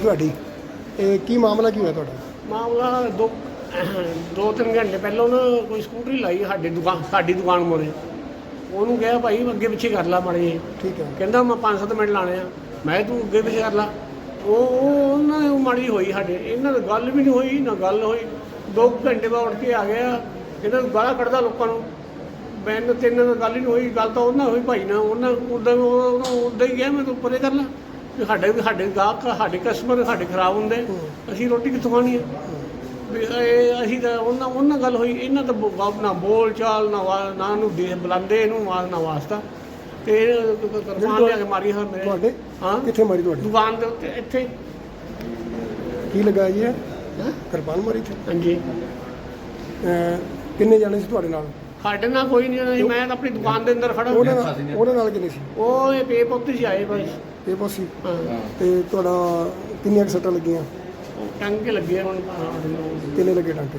ਤੁਹਾਡੀ ਇਹ ਕੀ ਮਾਮਲਾ ਕੀ ਹੋਇਆ ਤੁਹਾਡਾ? ਮਾਮਲਾ ਦੋ ਤਿੰਨ ਘੰਟੇ ਪਹਿਲਾਂ ਉਹਨਾਂ ਕੋਈ ਸਕੂਟਰੀ ਲਾਈ ਸਾਡੀ ਦੁਕਾਨ ਮੋਰੇ। ਉਹਨੂੰ ਕਿਹਾ ਭਾਈ ਅੱਗੇ ਪਿੱਛੇ ਕਰ ਲਾ ਮਾੜੇ ਜਿਹੇ। ਠੀਕ ਹੈ। ਕਹਿੰਦਾ ਮੈਂ 5-7 ਮਿੰਟ ਲਾਣੇ ਆ। ਮੈਂ ਤੂੰ ਅੱਗੇ ਪਿੱਛੇ ਕਰ ਲਾ। ਉਹਨਾਂ ਨੇ ਮਾੜੀ ਹੋਈ ਸਾਡੇ, ਇਹਨਾਂ ਨਾਲ ਗੱਲ ਵੀ ਨਹੀਂ ਹੋਈ ਨਾ ਗੱਲ ਹੋਈ। 2 ਘੰਟੇ ਬਾਅਦ ਉੱਠ ਕੇ ਆ ਗਿਆ। ਇਹਨਾਂ ਨੂੰ ਗਾਲਾਂ ਕੱਢਦਾ ਲੋਕਾਂ ਨੂੰ। ਮੈਨੂੰ ਤਿੰਨ ਨਾਲ ਗੱਲ ਹੀ ਨਹੀਂ ਹੋਈ। ਗੱਲ ਤਾਂ ਉਹਨਾਂ ਹੋਈ ਭਾਈ ਨਾਲ। ਉਹਨਾਂ ਉੱਦਾਂ ਹੀ ਗਿਆ ਮੈਂ ਤੂੰ ਪਰੇ ਕਰ ਲਾ। ਸਾਡੇ ਗਾਹਕ ਸਾਡੇ ਕਸਟਮਰ ਸਾਡੇ ਖਰਾਬ ਹੁੰਦੇ, ਅਸੀਂ ਰੋਟੀ ਕਿੱਥੋਂ ਖਾਣੀ ਹੈ? ਅਸੀਂ ਤਾਂ ਉਹਨਾਂ ਗੱਲ ਹੋਈ। ਇਹਨਾਂ ਤਾਂ ਨਾ ਬੋਲ ਚਾਲ ਨਾ ਨੂੰ ਬੁਲਾਉਂਦੇ ਇਹਨੂੰ ਨਾ ਵਾਸਤਾ। ਤੇ ਕਿਰਪਾਨ ਲਿਆ ਕੇ ਮਾਰੀ ਹਾਂ ਮੇਰੇ। ਤੁਹਾਡੇ? ਹਾਂ। ਕਿੱਥੇ ਮਾਰੀ ਤੁਹਾਡੀ? ਦੁਕਾਨ ਦੇ ਉੱਤੇ ਇੱਥੇ। ਕੀ ਲੱਗਾ ਜੀ ਇਹ? ਕਿਰਪਾਨ ਮਾਰੀ ਇੱਥੇ? ਹਾਂਜੀ। ਕਿੰਨੇ ਜਾਣੇ ਸੀ ਤੁਹਾਡੇ ਨਾਲ? ਸਾਡੇ ਨਾਲ ਕੋਈ ਨਹੀਂ ਸੀ। ਮੈਂ ਤਾਂ ਆਪਣੀ ਦੁਕਾਨ ਦੇ ਅੰਦਰ ਖੜਾ। ਉਹਨਾਂ ਨਾਲ ਕਿੰਨੇ ਸੀ? ਉਹ ਇਹ ਪੇ ਪੁੱਤ ਸੀ ਆਏ ਬਸ। ਇਹ ਪਾਸੀ। ਹਾਂ। ਤੇ ਤੁਹਾਡਾ ਕਿੰਨੀਆਂ ਸੱਟਾਂ ਲੱਗੀਆਂ? ਟੰਗੇ ਲੱਗੇ ਹੁਣ। ਕਿੰਨੇ ਲੱਗੇ ਟਾਂਕੇ?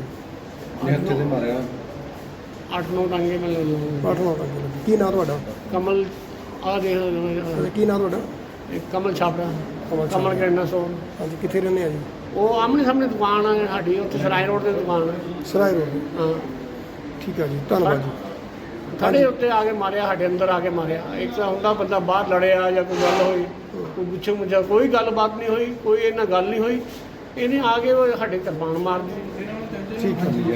8-9 ਟੰਗੇ ਮੈਨੂੰ। 8-9 ਟਾਂਕੇ ਲੱਗੇ। ਕੀ ਨਾਂ ਤੁਹਾਡਾ? ਕਮਲ ਆ ਦੇਖ। ਕੀ ਨਾਂ ਤੁਹਾਡਾ? ਕਮਲ ਛਾਪੜਾ। ਕਮਲ ਕਿਰਨਾ ਸੋਨ। ਹਾਂਜੀ। ਕਿੱਥੇ ਰਹਿੰਦੇ ਆ ਜੀ? ਉਹ ਆਮਣੇ ਸਾਹਮਣੇ ਦੁਕਾਨ ਹੈ ਸਾਡੀ, ਉੱਥੇ ਸਰਾਏ ਰੋਡ 'ਤੇ ਦੁਕਾਨ ਹੈ। ਸਰਾਏ ਰੋਡ। ਹਾਂ। ਠੀਕ ਹੈ ਜੀ, ਧੰਨਵਾਦ ਜੀ। ਸਾਡੇ ਉੱਤੇ ਆ ਕੇ ਮਾਰਿਆ, ਸਾਡੇ ਅੰਦਰ ਆ ਕੇ ਮਾਰਿਆ। ਇੱਕ ਤਾਂ ਹੁੰਦਾ ਬੰਦਾ ਬਾਹਰ ਲੜਿਆ ਜਾਂ ਕੋਈ ਗੱਲ ਹੋਈ, ਕੋਈ ਪੁੱਛੇ ਮੁੱਛਾ, ਕੋਈ ਗੱਲਬਾਤ ਨਹੀਂ ਹੋਈ, ਕੋਈ ਇਹਨਾਂ ਗੱਲ ਨਹੀਂ ਹੋਈ। ਇਹਨੇ ਆ ਕੇ ਉਹ ਸਾਡੇ ਕਿਰਪਾਨ ਮਾਰ ਦਿੱਤੀ। ਠੀਕ ਹੈ ਜੀ।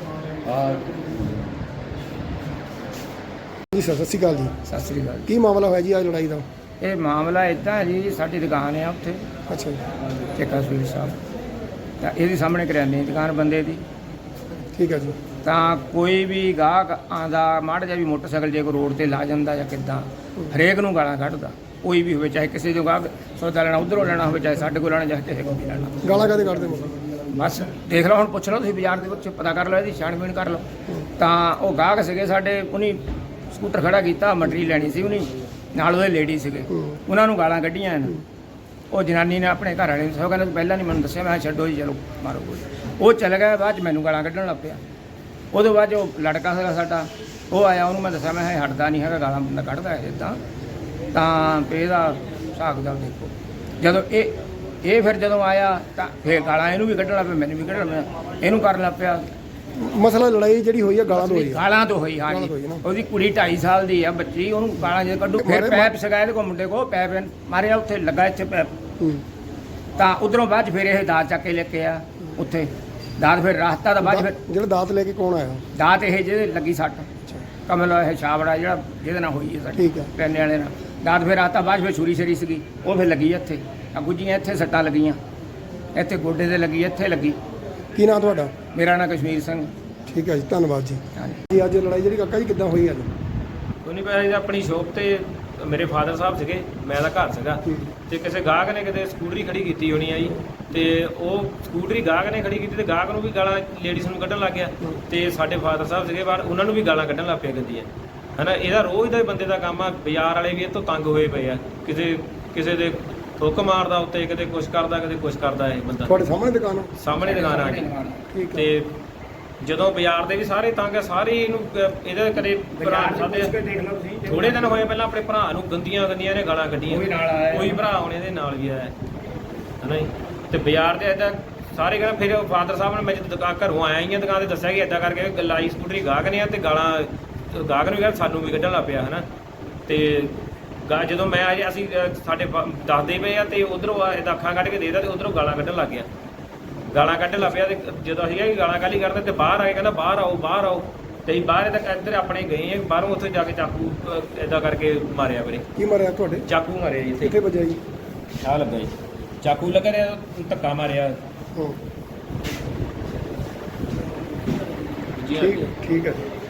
ਜੀ ਸਤਿ ਸ਼੍ਰੀ ਅਕਾਲ ਜੀ। ਸਤਿ ਸ੍ਰੀ ਅਕਾਲ। ਕੀ ਮਾਮਲਾ ਹੋਇਆ ਜੀ ਅੱਜ ਲੜਾਈ ਦਾ? ਇਹ ਮਾਮਲਾ ਇੱਦਾਂ ਹੈ ਜੀ, ਸਾਡੀ ਦੁਕਾਨ ਹੈ ਉੱਥੇ ਅੱਛਾ ਜੀ। ਚੱਕਾ ਸਵੀਟ ਸਾਹਿਬ, ਤਾਂ ਇਹਦੇ ਸਾਹਮਣੇ ਕਰਿਆਨੇ ਦੀ ਦੁਕਾਨ ਬੰਦੇ ਦੀ। ਠੀਕ ਹੈ ਜੀ। ਤਾਂ ਕੋਈ ਵੀ ਗਾਹਕ ਆਉਂਦਾ, ਮਾੜਾ ਜਿਹਾ ਵੀ ਮੋਟਰਸਾਈਕਲ ਜੇ ਕੋਈ ਰੋਡ ਤੇ ਲਾ ਜਾਂਦਾ ਜਾਂ ਕਿੱਦਾਂ, ਹਰੇਕ ਨੂੰ ਗਾਲਾਂ ਕੱਢਦਾ। ਕੋਈ ਵੀ ਹੋਵੇ, ਚਾਹੇ ਕਿਸੇ ਜੋ ਗਾਹਕ ਸੌਦਾ ਲੈਣਾ ਉੱਧਰੋਂ ਲੈਣਾ ਹੋਵੇ, ਚਾਹੇ ਸਾਡੇ ਕੋਲ ਲੈਣਾ, ਚਾਹੇ ਕਿਸੇ ਕੋਲ ਵੀ ਲੈਣਾ। ਗਾਲਾਂ ਕਾਹਦੇ ਕੱਢਦੇ ਮੁੰਡੇ? ਬਸ ਦੇਖ ਲਓ, ਹੁਣ ਪੁੱਛ ਲਓ ਤੁਸੀਂ ਬਾਜ਼ਾਰ ਦੇ ਵਿੱਚ, ਪਤਾ ਕਰ ਲਓ, ਇਹਦੀ ਛਾਣਬੀਣ ਕਰ ਲਓ। ਤਾਂ ਉਹ ਗਾਹਕ ਸੀਗੇ ਸਾਡੇ, ਉਹਨੇ ਸਕੂਟਰ ਖੜਾ ਕੀਤਾ, ਮਟਰੀ ਲੈਣੀ ਸੀ ਉਹਨੇ, ਨਾਲ ਉਹਦੇ ਲੇਡੀ ਸੀਗੇ, ਉਹਨਾਂ ਨੂੰ ਗਾਲਾਂ ਕੱਢੀਆਂ ਇਹਨਾਂ। ਉਹ ਜਨਾਨੀ ਨੇ ਆਪਣੇ ਘਰ ਵਾਲੇ ਨੂੰ ਸੋ ਕਹਿੰਦਾ ਪਹਿਲਾਂ ਨਹੀਂ ਮੈਨੂੰ ਦੱਸਿਆ। ਮੈਂ ਛੱਡੋ ਜੀ, ਚਲੋ ਮਾਰੋ ਗੋਲੀ। ਉਹ ਚੱਲ ਗਿਆ। ਬਾਅਦ 'ਚ ਮੈਨੂੰ ਗਾਲਾਂ ਕੱਢਣ ਲੱਗ ਪਿਆ। ਉਹਦੇ ਬਾਅਦ ਜੋ ਲੜਕਾ ਸੀਗਾ ਸਾਡਾ, ਉਹ ਆਇਆ, ਉਹਨੂੰ ਮੈਂ ਦੱਸਿਆ, ਮੈਂ ਕਿਹਾ ਹਟਦਾ ਨਹੀਂ ਹੈਗਾ, ਗਾਲਾਂ ਬੰਦਾ ਕੱਢਦਾ ਹੈ ਇੱਦਾਂ। ਤਾਂ ਇਹਦਾ ਹਿਸਾਬ ਕਿਤਾਬ ਦੇਖੋ। ਜਦੋਂ ਇਹ ਫਿਰ ਜਦੋਂ ਆਇਆ ਤਾਂ ਫਿਰ ਗਾਲਾਂ ਇਹਨੂੰ ਵੀ ਕੱਢਣ ਲੱਗ ਪਿਆ, ਮੈਨੂੰ ਵੀ ਕੱਢਣ ਲੱਗ ਪਿਆ, ਇਹਨੂੰ ਕਰਨ ਲੱਗ ਪਿਆ। ਮਸਲਾ ਲੜਾਈ ਜਿਹੜੀ ਹੋਈ ਹੈ ਗਾਲਾਂ ਤੋਂ ਹੋਈ ਹੈ? ਗਾਲਾਂ ਤੋਂ ਹੋਈ, ਹਾਂ ਜੀ। ਉਹਦੀ ਕੁੜੀ 2.5 ਸਾਲ ਦੀ ਆ ਬੱਚੀ, ਉਹਨੂੰ ਗਾਲਾਂ ਜੇ ਕੱਢੂ। ਫਿਰ ਪੈਪ ਸੀਗਾ ਇਹਦੇ ਕੋਲ, ਮੁੰਡੇ ਕੋਲ ਪੈਪ ਮਾਰਿਆ, ਉੱਥੇ ਲੱਗਾ ਇੱਥੇ ਪੈਪ। ਤਾਂ ਉਧਰੋਂ ਬਾਅਦ 'ਚ ਫਿਰ ਇਹ ਦਾਤ ਚੱਕ ਕੇ ਲੈ ਕੇ ਆ ਉੱਥੇ। ਦਾਤ ਫਿਰ ਰਾਸਤਾ ਦਾ ਬਾਅਦ ਫਿਰ ਜਿਹੜਾ ਦਾਤ ਲੈ ਕੇ ਕੌਣ ਆਇਆ? ਦਾਤ ਇਹ ਜਿਹਦੇ ਲੱਗੀ ਸੱਟ, ਕਮਲ ਇਹ ਛਾਬੜਾ ਜਿਹੜਾ ਜਿਹਦੇ ਨਾਲ ਹੋਈ ਹੈ ਸੱਟ, ਠੀਕ ਹੈ, ਪੈਨੇ ਵਾਲੇ ਨਾਲ। ਦਾਤ ਫਿਰ ਰਾਸਤਾ ਬਾਅਦ ਫਿਰ ਛੁਰੀ ਛਰੀ ਸੀਗੀ, ਉਹ ਫਿਰ ਲੱਗੀ ਇੱਥੇ। ਆ ਗੁੱਜੀਆਂ ਇੱਥੇ ਸੱਟਾਂ ਲੱਗੀਆਂ, ਇੱਥੇ ਗੋਡੇ 'ਤੇ ਲੱਗੀ, ਇੱਥੇ ਲੱਗੀ। ਕੀ ਨਾਂ ਤੁਹਾਡਾ? ਮੇਰਾ ਨਾਂ ਕਸ਼ਮੀਰ ਸਿੰਘ। ਠੀਕ ਹੈ ਜੀ, ਧੰਨਵਾਦ ਜੀ। ਹਾਂਜੀ ਜੀ ਅੱਜ ਲੜਾਈ ਜਿਹੜੀ ਕਾਕਾ ਜੀ ਕਿੱਦਾਂ ਹੋਈ ਅੱਜ? ਉਹਨੇ ਪਿਆ ਆਪਣੀ ਸ਼ੋਪ ਤੇ ਮੇਰੇ ਫਾਦਰ ਸਾਹਿਬ ਸੀਗੇ, ਮੈਂ ਦਾ ਘਰ ਸੀਗਾ, ਤੇ ਕਿਸੇ ਗਾਹਕ ਨੇ ਕਿਤੇ ਸਕੂਟਰੀ ਖੜੀ ਕੀਤੀ ਹੋਣੀ ਆ ਜੀ। ਤੇ ਉਹ ਸਕੂਟਰੀ ਗਾਹਕ ਨੇ ਖੜੀ ਕੀਤੀ ਤੇ ਗਾਹਕ ਨੂੰ ਵੀ ਗਾਲਾਂ ਲੇਡੀਜ਼ ਨੂੰ ਕੱਢਣ ਲੱਗ ਗਿਆ। ਤੇ ਸਾਡੇ ਫਾਦਰ ਸਾਹਿਬ ਸੀਗੇ ਬਾਹਰ, ਉਹਨਾਂ ਨੂੰ ਵੀ ਗਾਲਾਂ ਕੱਢਣ ਲੱਗ ਪਿਆ ਗੰਦੀਆਂ, ਹਨਾ। ਇਹਦਾ ਰੋਜ਼ ਦਾ ਹੀ ਬੰਦੇ ਦਾ ਕੰਮ ਆ। ਬਾਜ਼ਾਰ ਵਾਲੇ ਵੀ ਇਹ ਤੋਂ ਤੰਗ ਹੋਏ ਪਏ ਆ। ਕਿਸੇ ਦੇ ਥੁੱਕ ਮਾਰਦਾ ਉੱਤੇ, ਕਿਤੇ ਕੁਛ ਕਰਦਾ, ਕਿਤੇ ਕੁਛ ਕਰਦਾ। ਇਹ ਬੰਦਾ ਤੁਹਾਡੇ ਸਾਹਮਣੇ ਦੁਕਾਨ ਆ? ਸਾਹਮਣੇ ਦੁਕਾਨ ਆ ਗਈ। ਠੀਕ ਹੈ। ਤੇ ਜਦੋਂ ਬਾਜ਼ਾਰ ਦੇ ਵੀ ਸਾਰੇ ਤੰਗ ਆ, ਸਾਰੇ ਇਹਨੂੰ ਇਹਦੇ ਕਦੇ ਭਰਾ ਸਾਡੇ ਥੋੜੇ ਦਿਨ ਹੋਏ ਪਹਿਲਾਂ ਆਪਣੇ ਭਰਾ ਨੂੰ ਗੰਦੀਆਂ ਨੇ ਗਾਲਾਂ ਕੱਢੀਆਂ। ਕੋਈ ਭਰਾ ਹੁਣ ਇਹਦੇ ਨਾਲ ਵੀ ਆਇਆ, ਹਨਾ ਜੀ। ਤੇ ਬਾਜ਼ਾਰ ਦੇ ਇੱਦਾਂ ਸਾਰੇ ਕਹਿੰਦੇ। ਫਿਰ ਫਾਦਰ ਸਾਹਿਬ ਨੇ, ਮੈਂ ਜਦੋਂ ਦੁਕਾਨ ਘਰੋਂ ਆਇਆ ਹੀ ਆ ਦੁਕਾਨ ਤੇ, ਦੱਸਿਆ ਕਿ ਇੱਦਾਂ ਕਰਕੇ ਲਾਈ ਸਕੂਟਰੀ ਗਾਹਕ ਨੇ ਆ, ਤੇ ਗਾਲਾਂ ਗਾਹਕ ਨੂੰ ਵੀ ਕਹਿੰਦਾ ਸਾਨੂੰ ਵੀ ਕੱਢਣ ਲੱਗ ਪਿਆ, ਹਨਾ। ਤੇ ਜਦੋਂ ਮੈਂ ਆ ਅਸੀਂ ਸਾਡੇ ਦੱਸਦੇ ਪਏ ਆ, ਤੇ ਉੱਧਰੋਂ ਇਹਦਾ ਅੱਖਾਂ ਕੱਢ ਕੇ ਦੇਦਾ, ਤੇ ਉੱਧਰੋਂ ਗਾਲਾਂ ਕੱਢਣ ਲੱਗ ਗਿਆ। ਗਾਲਾਂ ਕੱਢਣ ਲੱਗ ਪਿਆ। ਤੇ ਜਦੋਂ ਅਸੀਂ ਕਿ ਗਾਲਾਂ ਕਾਹਲੀ ਕਰਦੇ, ਤੇ ਬਾਹਰ ਆ ਕੇ ਕਹਿੰਦਾ ਬਾਹਰ ਆਓ, ਬਾਹਰ ਆਓ। ਤੇ ਅਸੀਂ ਬਾਹਰ ਇੱਧਰ ਆਪਣੇ ਗਏ ਆ, ਬਾਹਰੋਂ ਉੱਥੇ ਜਾ ਕੇ ਚਾਕੂ ਇੱਦਾਂ ਕਰਕੇ ਮਾਰਿਆ ਵੀਰੇ। ਕੀ ਮਾਰਿਆ ਤੁਹਾਡੇ? ਚਾਕੂ ਮਾਰਿਆ ਜੀ ਇੱਥੇ। ਕਿੱਥੇ ਵੱਜਿਆ ਜੀ? ਆ ਲੱਗਾ ਜੀ ਚਾਕੂ, ਲੱਗਾ ਰਿਹਾ, ਧੱਕਾ ਮਾਰਿਆ। ਠੀਕ ਹੈ, ਠੀਕ ਹੈ।